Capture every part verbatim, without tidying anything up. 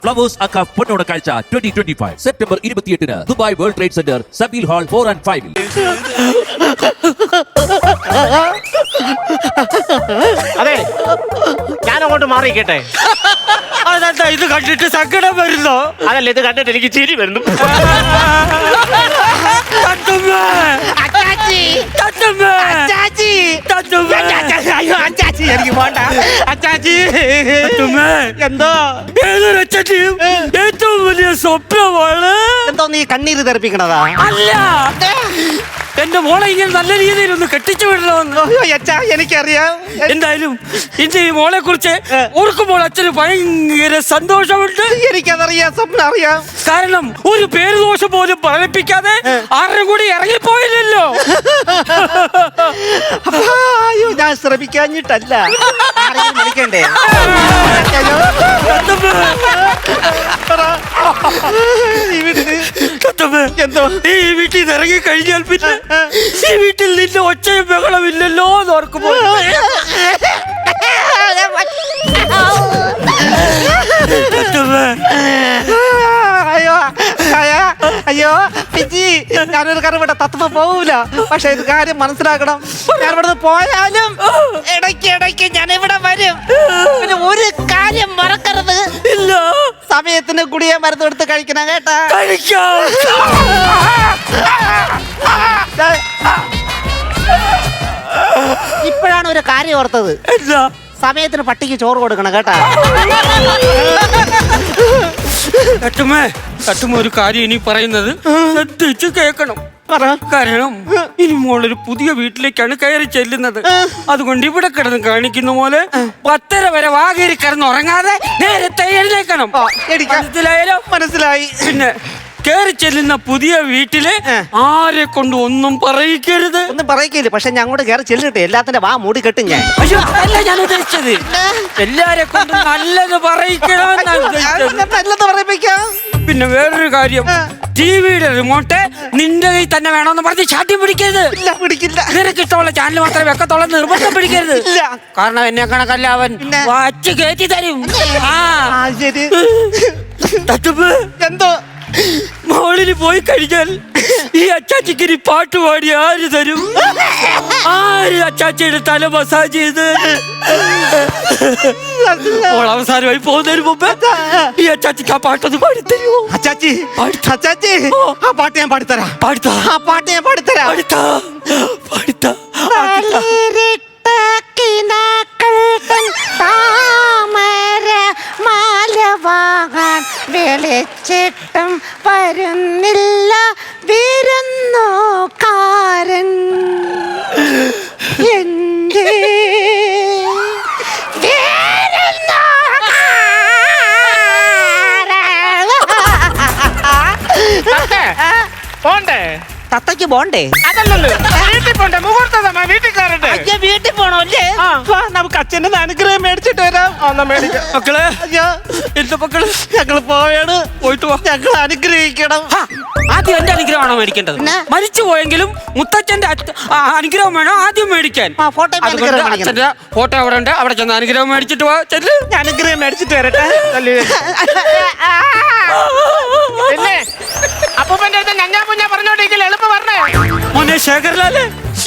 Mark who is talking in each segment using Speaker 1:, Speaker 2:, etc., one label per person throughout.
Speaker 1: Flowers അക്ക പൊന്നോണ കാഴ്ച ട്വന്റി ട്വന്റി ഫൈവ് സെപ്റ്റംബർ ഇരുപത്തിയെട്ടിന് Dubai World Trade Centre Zabeel hall four and ഫൈവിൽ.
Speaker 2: അതെ, ഞാൻ അങ്ങോട്ട് മാറിയിക്കട്ടെ.
Speaker 3: അതെന്താ ഇത് കണ്ടിട്ട് സങ്കടം വരുന്നോ?
Speaker 2: അതല്ല, ഇത് കണ്ടിട്ട് എനിക്ക് ചിരി വരുന്നു.
Speaker 3: തത്തുമ്മേ,
Speaker 2: അച്ചാച്ചി,
Speaker 3: തത്തുമ്മേ,
Speaker 2: അച്ചാച്ചി,
Speaker 3: തത്തുമ്മേ,
Speaker 2: അയ്യോ അച്ചാച്ചി, എനിക്ക് പോണ്ട. അച്ചാച്ചി,
Speaker 3: തത്തുമ്മേ.
Speaker 2: എന്തോ
Speaker 3: ഏതൊരു അച്ഛന്റെയും ഏറ്റവും വലിയ സ്വപ്നമാണ്.
Speaker 2: എന്തോ നീ കണ്ണീര് തെറിപ്പിക്കണതാ?
Speaker 3: അല്ല, എന്റെ മോളെ ഇങ്ങനെ നല്ല രീതിയിൽ ഒന്ന് കെട്ടിച്ചു വിടണമെന്ന്.
Speaker 2: അയ്യോ അച്ഛാ, എനിക്കറിയാം.
Speaker 3: എന്തായാലും ഇന്ന് ഈ മോളെ കുറിച്ച് ഓർക്കുമ്പോൾ അച്ഛന് ഭയങ്കര സന്തോഷമുണ്ട്.
Speaker 2: എനിക്കതറിയാം, സ്വപ്നം അറിയാം.
Speaker 3: കാരണം ഒരു പേര് ദോഷം പോലും പറയിപ്പിക്കാതെ ആരുടെ കൂടി ഇറങ്ങിപ്പോയില്ലല്ലോ.
Speaker 2: അയ്യോ, ഞാൻ ശ്രമിക്കാഞ്ഞിട്ടല്ല. ആരെങ്കിലും വിളിക്കണ്ടേ?
Speaker 3: എന്തോ ഈ വീട്ടിൽ നിന്ന് ഇറങ്ങി കഴിഞ്ഞാൽ പിന്നെ ഈ വീട്ടിൽ നിന്റെ ഒച്ചയും ബഹളമില്ലല്ലോ എന്ന് ഓർക്കുമ്പോൾ
Speaker 2: അയ്യോ അയ്യോ അയ്യോ പിച്ചി, ഞാനൊരു കാര്യം ഇവിടെ തത്വ പോവൂല. പക്ഷെ ഇത് കാര്യം മനസ്സിലാക്കണം. ഞാൻ ഇവിടുന്ന് പോയാലും ഇടയ്ക്ക് ഇടയ്ക്ക് ഞാൻ ഇവിടെ വരും. പിന്നെ ഒരു കാര്യം മറക്കരുത്.
Speaker 3: ഇല്ല,
Speaker 2: സമയത്തിന് ഗുളിക മരുന്ന് എടുത്ത് കഴിക്കണം കേട്ടാ.
Speaker 3: കഴിക്കാം.
Speaker 2: ഇപ്പോഴാണ് ഒരു കാര്യം ഓർത്തത്.
Speaker 3: എന്താ?
Speaker 2: സമയത്തിന് പട്ടിക്ക് ചോറ് കൊടുക്കണം കേട്ടാ.
Speaker 3: തട്ടുമേ, തട്ടുമ ഒരു കാര്യം ഇനി പറയുന്നത് ശ്രദ്ധിച്ച് കേൾക്കണം. കാരണം ഇനി മോളൊരു പുതിയ വീട്ടിലേക്കാണ് കയറി ചെല്ലുന്നത്. അതുകൊണ്ട് ഇവിടെ കിടന്ന് കാണിക്കുന്ന പോലെ പത്തര വരെ വാകേരി കിടന്ന് ഉറങ്ങാതെ നേരത്തെ എഴുന്നേക്കണം. മനസ്സിലായാലോ?
Speaker 2: മനസ്സിലായി.
Speaker 3: പിന്നെ കയറി ചെല്ലുന്ന പുതിയ വീട്ടില് ആരെ കൊണ്ട് ഒന്നും പറയിക്കരുത്.
Speaker 2: ഒന്നും പറയിക്കില്ല. പക്ഷെ ഞാൻ അങ്ങോട്ട് കയറി ചെല്ലിട്ടെ എല്ലാത്തിന്റെ വാ മൂടി കെട്ടും ഞാൻ.
Speaker 3: അയ്യോ, അതല്ല ഞാൻ ഉദ്ദേശിച്ചത്. എല്ലാരെ കൊണ്ട് നല്ലത് പറയിക്കണമെന്നാണ് ഉദ്ദേശിച്ചത്.
Speaker 2: നല്ലത് പറയിപ്പിക്കാം.
Speaker 3: പിന്നെ വേറൊരു കാര്യം, ടിവിയുടെ റിമോട്ട് നിന്റെ കയ്യിൽ തന്നെ വേണമെന്ന് പറഞ്ഞ് ചാട്ടി പിടിക്കരുത്.
Speaker 2: ഇല്ല, പിടിക്കില്ല.
Speaker 3: നിനക്ക് ഇഷ്ടമുള്ള ചാനൽ മാത്രമേ വെക്കത്തുള്ള നിർബന്ധം പിടിക്കരുത്.
Speaker 2: ഇല്ല,
Speaker 3: കാരണം എന്നെ കണക്കല്ല അവൻ വച്ച് കയറ്റി തരും. ആ
Speaker 2: ശരി.
Speaker 3: തട്ടുപ്പ്,
Speaker 2: എന്തോ
Speaker 3: മോളിന് പോയി കഴിഞ്ഞാൽ ഈ അച്ചാച്ചിക്ക് ഇനി പാട്ട് പാടി ആര് തരും? ആര് അച്ചാച്ചിയുടെ തല മസാജ് ചെയ്ത് മോൾ അവസാനമായി പോകുന്നതിന് മുമ്പ് ഈ അച്ചാച്ചിക്ക് ആ പാട്ടൊന്ന് പാടിത്തരുമോ?
Speaker 2: അച്ചാച്ചി, അച്ചാച്ചി, ആ പാട്ട് ഞാൻ പാടിത്തരാം.
Speaker 3: പാടിത്താ,
Speaker 2: ആ പാട്ട് ഞാൻ പാടിത്തരാം.
Speaker 3: പാടിത്താ, പാടിത്താ.
Speaker 4: മാലവാകാൻ വെളിച്ചിട്ടും വരുന്നില്ല വിരുന്നുകാരൻ. എന്റെ
Speaker 2: പോണ്ടേ? തത്തയ്ക്ക് പോണ്ടേ? അതല്ലല്ലോ, വീട്ടിൽ പോണ്ടേ? മുഹൂർത്തം വീട്ടിൽ കയറട്ടെ. അയ്യോ, വീട്ടിൽ പോണോ അല്ലേ? നമുക്ക് അച്ഛൻ്റെ അനുഗ്രഹം മേടിച്ചിട്ട് വരാം.
Speaker 3: മക്കളെ,
Speaker 2: അയ്യോ,
Speaker 3: എന്റെ മക്കള്
Speaker 2: ഞങ്ങള് പോയാണ്.
Speaker 3: പോയിട്ട് വാ.
Speaker 2: ഞങ്ങൾ അനുഗ്രഹിക്കണം.
Speaker 3: ആദ്യം എന്റെ അനുഗ്രഹമാണോ മേടിക്കേണ്ടത്? മരിച്ചു പോയെങ്കിലും മുത്തച്ഛന്റെ അനുഗ്രഹം വേണോ ആദ്യം മേടിക്കാൻ? അച്ഛന്റെ ഫോട്ടോ അവിടെ ഉണ്ട്, അവിടെ ചെന്ന് അനുഗ്രഹം മേടിച്ചിട്ട് പോവാ. ചെല്ല്,
Speaker 2: അനുഗ്രഹം മേടിച്ചിട്ട് വരട്ടെ. പിന്നെ അപ്പൂപ്പന്റെ അടുത്ത് ഞഞ്ഞാ കുഞ്ഞാ പറഞ്ഞോണ്ടിരിക്കില്ല, എളുപ്പം പറഞ്ഞേ.
Speaker 3: മോനെ ശേഖർലാലേ,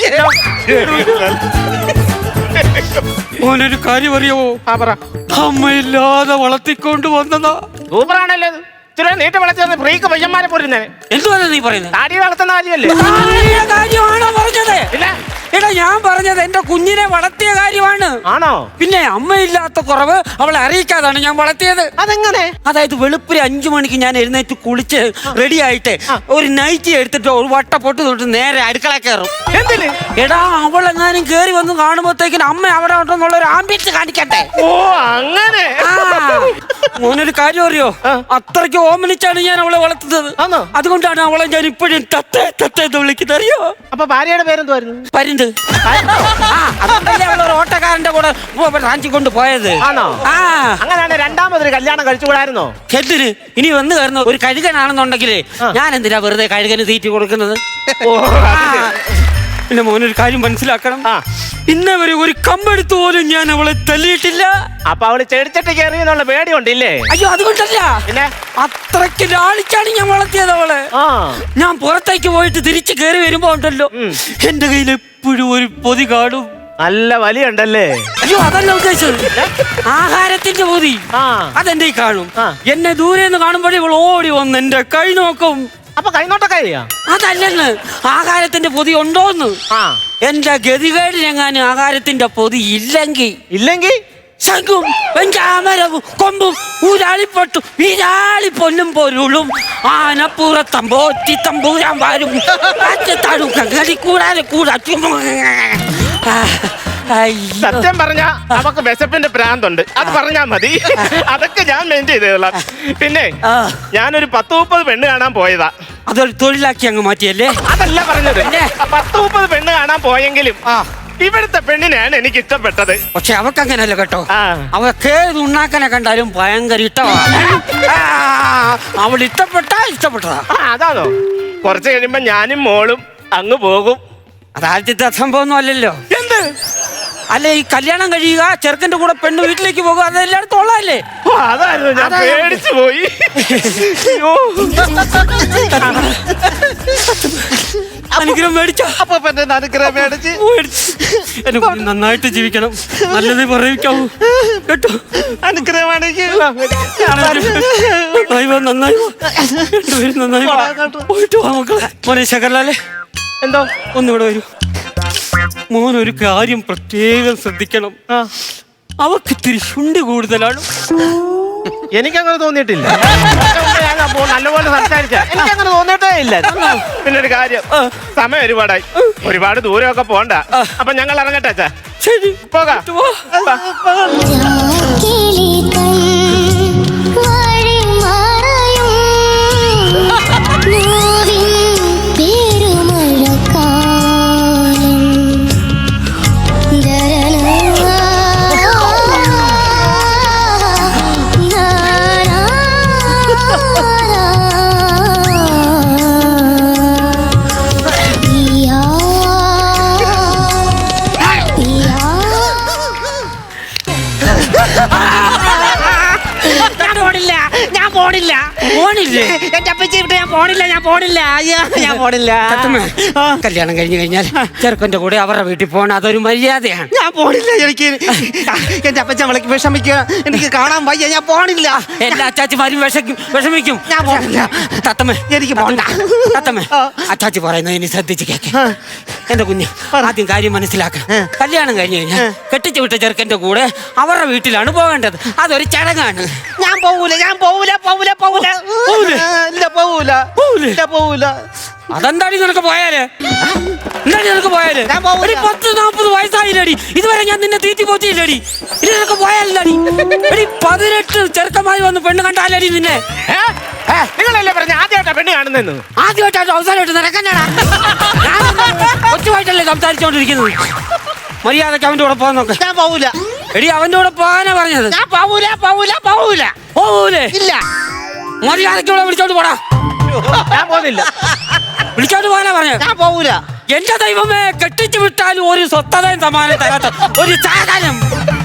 Speaker 3: മോനൊരു കാര്യം അറിയാവോ? അമ്മയില്ലാതെ വളർത്തിക്കൊണ്ട് വന്നതാ.
Speaker 2: സൂപ്പറാണല്ലോ. ഇത്ര നീട്ട് വളർത്തുന്ന ഫ്രീക്ക് പയ്യന്മാരെ പോരുന്നേ.
Speaker 3: എന്തുവാണ് നീ പറയുന്നത്?
Speaker 2: താടി വളർത്തുന്ന കാര്യമല്ലേ?
Speaker 3: കാര്യമാണോ പറഞ്ഞത്? എടാ, ഞാൻ പറഞ്ഞത് എന്റെ കുഞ്ഞിനെ വളർത്തിയ കാര്യമാണ്.
Speaker 2: ആണോ?
Speaker 3: പിന്നെ അമ്മയില്ലാത്ത കുറവ് അവളെ അറിയിക്കാതാണ് ഞാൻ വളർത്തിയത്.
Speaker 2: അതെങ്ങനെ?
Speaker 3: അതായത് വെളുപ്പിന് അഞ്ചു മണിക്ക് ഞാൻ എഴുന്നേറ്റ് കുളിച്ച് റെഡി ആയിട്ട് ഒരു നൈറ്റി എടുത്തിട്ട് ഒരു വട്ടപ്പൊട്ട് തൊട്ട് നേരെ അടുക്കള കയറും.
Speaker 2: എന്തിന്?
Speaker 3: എടാ, അവളെങ്ങാനും കേറി വന്ന് കാണുമ്പോഴത്തേക്കിന് അമ്മ അവിടെ ഉണ്ടെന്നുള്ള ഒരു ആംബിയൻസ് കാണിക്കട്ടെ.
Speaker 2: ഓ, അങ്ങനെ.
Speaker 3: മോനൊരു കാര്യം അറിയോ? അത്രയ്ക്ക് ഓമനിച്ചാണ് ഞാൻ അവളെ വളർത്തുന്നത്. അതുകൊണ്ടാണ് അവളെ ഞാൻ ഇപ്പോഴും തത്തേ തത്തേ എന്ന് വിളിക്കുന്നത്. അറിയോ?
Speaker 2: അപ്പൊ ഭാര്യയുടെ പേരെന്തുവായിരുന്നു?
Speaker 3: പരിന്ത്. അതുകൊണ്ടല്ലേ അവൾ ഒരു ഓട്ടക്കാരന്റെ കൂടെ റാഞ്ചിക്കൊണ്ട് പോയത്.
Speaker 2: ആണോ?
Speaker 3: ആ,
Speaker 2: അങ്ങനെയാണ് രണ്ടാമതൊരു കല്യാണം കഴിച്ചുകൂടായിരുന്നോ?
Speaker 3: എന്തിന്? ഇനി വന്ന് കയറുന്ന ഒരു കഴുകനാണെന്നുണ്ടെങ്കിലേ ഞാൻ എന്തിനാ വെറുതെ കഴുകന് തീറ്റി കൊടുക്കുന്നത്? എന്റെ മോനൊരു കാര്യം മനസ്സിലാക്കണം.
Speaker 2: ആ.
Speaker 3: ഇന്നേ വരെ ഒരു കമ്പെടുത്ത് പോലും ഞാൻ അവളെ തല്ലിയിട്ടില്ല.
Speaker 2: അപ്പൊ അവള് ചെടിച്ചട്ടി കയറി എന്നുള്ള പേടിയുണ്ടില്ലേ?
Speaker 3: അയ്യോ അതുകൊണ്ടല്ല,
Speaker 2: പിന്നെ
Speaker 3: അത്രയ്ക്ക് ലാളിച്ചാണ് ഞാൻ വളർത്തിയത് അവളെ.
Speaker 2: ആ
Speaker 3: ഞാൻ പുറത്തേക്ക് പോയിട്ട് തിരിച്ചു കയറി വരുമ്പോ ഉണ്ടല്ലോ, എന്റെ കയ്യിൽ എപ്പോഴും ഒരു പൊതി കാണും.
Speaker 2: നല്ല വലിയുണ്ടല്ലേ?
Speaker 3: അയ്യോ അതല്ല ഉദ്ദേശിച്ചത്, ആഹാരത്തിന്റെ പൊതി.
Speaker 2: ആ
Speaker 3: അതെന്റെ കാണും.
Speaker 2: ആ.
Speaker 3: എന്നെ ദൂരെ നിന്ന് കാണുമ്പോഴേ ഇവൾ ഓടി വന്ന് എന്റെ കൈ നോക്കും.
Speaker 2: അപ്പൊ കൈനോട്ടൊക്കെ ചെയ്യാ?
Speaker 3: അതല്ലെന്ന്, ആഹാരത്തിന്റെ പൊതി ഉണ്ടോന്ന്.
Speaker 2: ആ
Speaker 3: എന്റെ ഗതികേടിനെങ്ങാനും ആഹാരത്തിന്റെ പൊതി ഇല്ലെങ്കിൽ
Speaker 2: ഇല്ലെങ്കിൽ
Speaker 3: ശംഖും വെഞ്ചാമരവും കൊമ്പും ഊരാളിപ്പൊട്ടും വീരാളി പൊന്നും പൊരുളും ആനപ്പുറത്തമ്പോറ്റി തമ്പൂരാൻ വാരും കാറ്റത്താടും കങ്ങടി കൂടാതെ കൂടാ.
Speaker 2: സത്യം പറഞ്ഞ അവക്ക് വിശപ്പിന്റെ ഭ്രാന്തുണ്ട്, അത് പറഞ്ഞാ മതി. അതൊക്കെ ഞാൻ മെയിൻ ചെയ്തോളാം. പിന്നെ ഞാനൊരു പത്ത് മുപ്പത് പെണ്ണ് കാണാൻ പോയതാ.
Speaker 3: അതൊരു തൊഴിലാക്കി അങ്ങ് മാറ്റിയല്ലേ?
Speaker 2: അതല്ല പറഞ്ഞത്. പത്ത് മുപ്പത് പെണ്ണ് കാണാൻ പോയെങ്കിലും ഇവിടുത്തെ പെണ്ണിനെയാണ് എനിക്ക് ഇഷ്ടപ്പെട്ടത്.
Speaker 3: പക്ഷെ അവക്ക് അങ്ങനല്ല കേട്ടോ.
Speaker 2: ആ.
Speaker 3: അവക്ക് ഏത് ഉണ്ണാക്കനെ കണ്ടാലും ഭയങ്കര ഇഷ്ടമാണ്. അവൾ ഇഷ്ടപ്പെട്ടാ ഇഷ്ടപ്പെട്ടതാ.
Speaker 2: ആ, അതാണോ? കുറച്ച് കഴിയുമ്പോ ഞാനും മോളും അങ്ങ് പോകും.
Speaker 3: അതാദ്യത്തെ സംഭവം ഒന്നും അല്ലല്ലോ.
Speaker 2: എന്ത്?
Speaker 3: അല്ല, ഈ കല്യാണം കഴിയുക, ചെറുക്കന്റെ കൂടെ പെണ്ണ് വീട്ടിലേക്ക് പോകുക, അതെല്ലായിടത്തും ഉള്ളതല്ലേ?
Speaker 2: ഓ, അതായിരുന്നു. ഞാൻ പേടിച്ചു പോയി. അയ്യോ.
Speaker 3: അനുഗ്രഹം മേടിച്ചോ?
Speaker 2: അപ്പൊ അനുഗ്രഹം മേടിച്ച്
Speaker 3: എനിക്ക് നന്നായിട്ട് ജീവിക്കണം, നല്ലത് പറയിക്കാവൂ കേട്ടോ.
Speaker 2: അനുഗ്രഹം മേടിക്ക്.
Speaker 3: നന്നായി വാ, നന്നായി വാ. രണ്ടുപേരും നന്നായി വാ. പോയിട്ട് വാ മക്കളെ. മോനെ ശകർലാലേ,
Speaker 2: എന്തോ
Speaker 3: ഒന്നിവിടെ വരൂ. മോൻ ഒരു കാര്യം പ്രത്യേകം ശ്രദ്ധിക്കണം. അവക്ക് ഇത്തിരി ശുണ്ടി കൂടുതലാണ്.
Speaker 2: എനിക്കങ്ങനെ തോന്നിയിട്ടില്ല. ഞാൻ അപ്പോ നല്ലപോലെ സംസാരിച്ച എനിക്കങ്ങനെ തോന്നിയിട്ടേ ഇല്ല. പിന്നെ ഒരു കാര്യം, സമയം ഒരുപാടായി, ഒരുപാട് ദൂരമൊക്കെ പോണ്ട. അപ്പൊ ഞങ്ങൾ ഇറങ്ങട്ടെ അച്ഛാ.
Speaker 3: ശരി,
Speaker 2: പോകാം.
Speaker 4: ഞാൻ പോണില്ല,
Speaker 3: പോണില്ലേ?
Speaker 4: എന്റെ അപ്പച്ചി വിട്ട് ഞാൻ പോണില്ല, ഞാൻ പോണില്ല, അയ്യോ ഞാൻ പോണില്ല.
Speaker 3: കല്യാണം കഴിഞ്ഞു കഴിഞ്ഞാൽ ചെറുക്കന്റെ കൂടെ അവരുടെ വീട്ടിൽ പോകണം, അതൊരു മര്യാദയാണ്.
Speaker 4: ഞാൻ പോണില്ല. എനിക്ക് എന്റെ അപ്പച്ചൻ വിളക്ക് വിഷമിക്കുക, എനിക്ക് കാണാൻ വയ്യ, ഞാൻ പോണില്ല.
Speaker 3: എല്ലാ അച്ചാച്ചിമാരും വിഷക്കും വിഷമിക്കും.
Speaker 4: ഞാൻ പോണില്ല.
Speaker 3: തത്തമ്മേ,
Speaker 4: എനിക്ക് പോണ്ട.
Speaker 3: തത്തമ്മേ, അച്ചാച്ചി പറയുന്നത് ഇനി ശ്രദ്ധിച്ച് കേക്ക്. എന്റെ കുഞ്ഞ്, ആദ്യം കാര്യം മനസ്സിലാക്കണം. കല്യാണം കഴിഞ്ഞു കഴിഞ്ഞാൽ കെട്ടിച്ചു വിട്ട ചെറുക്കന്റെ കൂടെ അവരുടെ വീട്ടിലാണ് പോകേണ്ടത്, അതൊരു ചടങ്ങാണ്.
Speaker 4: ഞാൻ പോവൂല, ഞാൻ പോവൂല, പോവൂല, പോവൂല, ഇല്ല പോവൂല, ഇല്ല പോവൂല.
Speaker 3: അതെന്താടി നിനക്ക് പോയാല്? എന്താടി നിനക്ക് പോയാല്?
Speaker 4: ഞാൻ പോവൂല.
Speaker 3: എടി, പത്ത് നാപ്പത് വയസ്സായില്ലടി, ഇതുവരെ ഞാൻ നിന്നെ തീറ്റി പോറ്റിയില്ലടി. ഇനി നിനക്ക് പോയാലടി. എടി, പതിനെട്ട് ചെറുക്കമായി വന്ന് പെണ്ണ് കണ്ടാലടി നിന്നെ.
Speaker 2: നിങ്ങളല്ലേ പറഞ്ഞ ആദ്യമായിട്ടാ പെണ്ണ് കാണുന്നെന്ന്?
Speaker 3: ആദ്യമായിട്ടാണ് അവസാനമായിട്ട് നിനക്കെന്നാടാ? ഒറ്റമായിട്ടല്ലേ സംസാരിച്ചോണ്ടിരിക്കുന്നത്. മര്യാദക്ക് അവന്റെ കൂടെ പോകാൻ നോക്ക്.
Speaker 4: ഞാൻ പോവൂല.
Speaker 3: എടി, അവന്റെ കൂടെ പോകാനാ പറഞ്ഞത്.
Speaker 4: ഞാൻ പോവൂല, പോവൂല, പോവൂല.
Speaker 3: പോവൂലേ?
Speaker 4: ഇല്ല.
Speaker 3: മര്യാദക്ക് ഇവിടെ വിളിച്ചോണ്ട് പോടാ.
Speaker 2: ഞാൻ പോകുന്നില്ല.
Speaker 3: വിളിച്ചോണ്ട് പോകാനാ പറഞ്ഞത്.
Speaker 4: ഞാൻ പോവൂല.
Speaker 3: എന്റെ ദൈവമേ, കെട്ടിച്ചു വിട്ടാലും ഒരു സ്വത്തതയും സമാനം തരാത്ത ഒരു സാധനം.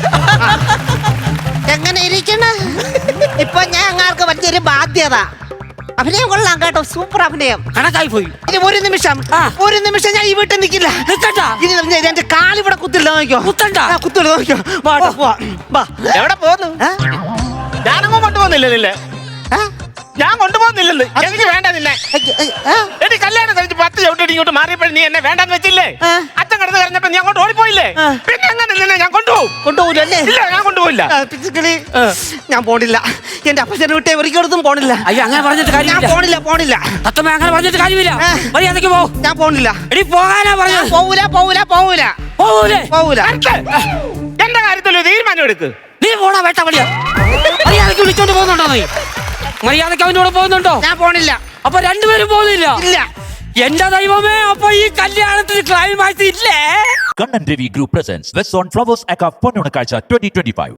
Speaker 4: എങ്ങനെ ഇരിക്കണ? ഇപ്പൊ ഞാൻ അങ്ങാർക്ക് വലിയൊരു ബാധ്യത. അഭിനയം കൊള്ളാം കേട്ടോ, സൂപ്പർ അഭിനയം.
Speaker 3: കണക്കായി പോയി.
Speaker 4: ഇനി ഒരു നിമിഷം,
Speaker 3: ആ.
Speaker 4: ഒരു നിമിഷം ഞാൻ ഈ വീട്ടിൽ നിൽക്കില്ല.
Speaker 3: നിക്കട്ടാ?
Speaker 4: ഇനി ഞാൻ- എന്റെ കാലിവിടെ കുത്തില്ല, നോക്കിയോ?
Speaker 3: കുത്തണ്ട.
Speaker 4: ആ, കുത്തില്ല, നോക്കിയോ? വാട്ടോ, പോവാ. വാ.
Speaker 2: എവിടെ പോന്നു?
Speaker 4: ഏ?
Speaker 2: ഞാനങ്ങും കൊണ്ടുപോകുന്നില്ല നിന്നെ.
Speaker 4: ഏ?
Speaker 2: ഞാൻ കൊണ്ടുപോകുന്നില്ലെന്ന്. എനിക്ക് വേണ്ട നിന്നെ.
Speaker 4: ഏ, ഏ, ഏ?
Speaker 2: എടി, കല്യാണം കഴിച്ച് പത്ത് ചവിട്ടി ഇങ്ങോട്ട് മാറിയപ്പോൾ നീ എന്നെ വേണ്ടെന്ന് വെച്ചില്ലേ?
Speaker 4: ആ.
Speaker 2: അച്ഛൻ കിടന്ന് കഴിഞ്ഞപ്പോ നീ അങ്ങോട്ട് ഓടിപ്പോയില്ലേ?
Speaker 4: ആ.
Speaker 2: പിന്നെ എങ്ങനെ നിന്നെ ഞാൻ കൊണ്ടുപോകും?
Speaker 4: കൊണ്ടുപോകൂലല്ലേ?
Speaker 2: ഇല്ല, ഞാൻ കൊണ്ടുപോയില്ല.
Speaker 4: ആ, പിച്ചുക്കിളി, ഞാൻ പോണില്ല. എന്റെ അപ്പച്ചനെ വിട്ടേ ഒരിക്കലും പോണില്ല.
Speaker 3: അയ്യോ, അങ്ങനെ പറഞ്ഞിട്ട്
Speaker 4: ഞാൻ
Speaker 3: കാര്യമില്ല.
Speaker 4: പോണില്ല, പോണില്ല.
Speaker 3: തത്തമ്മ, അങ്ങനെ പറഞ്ഞിട്ട് കാര്യമില്ല.
Speaker 4: ആ.
Speaker 3: മര്യാദക്ക് പോ.
Speaker 4: ഞാൻ പോണില്ല.
Speaker 3: എടി, പോകാനാ
Speaker 4: ഞാൻ
Speaker 3: പറഞ്ഞത്.
Speaker 4: പോവൂല, പോവൂല, പോവൂല,
Speaker 3: പോകൂലേ?
Speaker 4: പോവൂല.
Speaker 2: അടുത്ത്. എന്റെ കാര്യത്തിൽ ഒരു തീരുമാനം എടുക്ക്.
Speaker 3: നീ പോടാ വേട്ട വളിയാ. മര്യാദക്ക് വിളിച്ചോണ്ട് പോകുന്നുണ്ടോ നീ? മര്യാദക്ക് അവന്റെ കൂടെ പോകുന്നുണ്ടോ?
Speaker 4: ഞാൻ പോണില്ല.
Speaker 3: അപ്പൊ രണ്ടുപേരും പോകുന്നില്ല?
Speaker 4: ഇല്ല.
Speaker 3: എന്റെ ദൈവമേ, അപ്പൊ ഈ കല്യാണത്തിന് ക്ലൈമാക്സ് ഇല്ലേ?
Speaker 1: Kannan Devi Group presents West on Flowers Aka Ponnona Kalcha twenty twenty-five.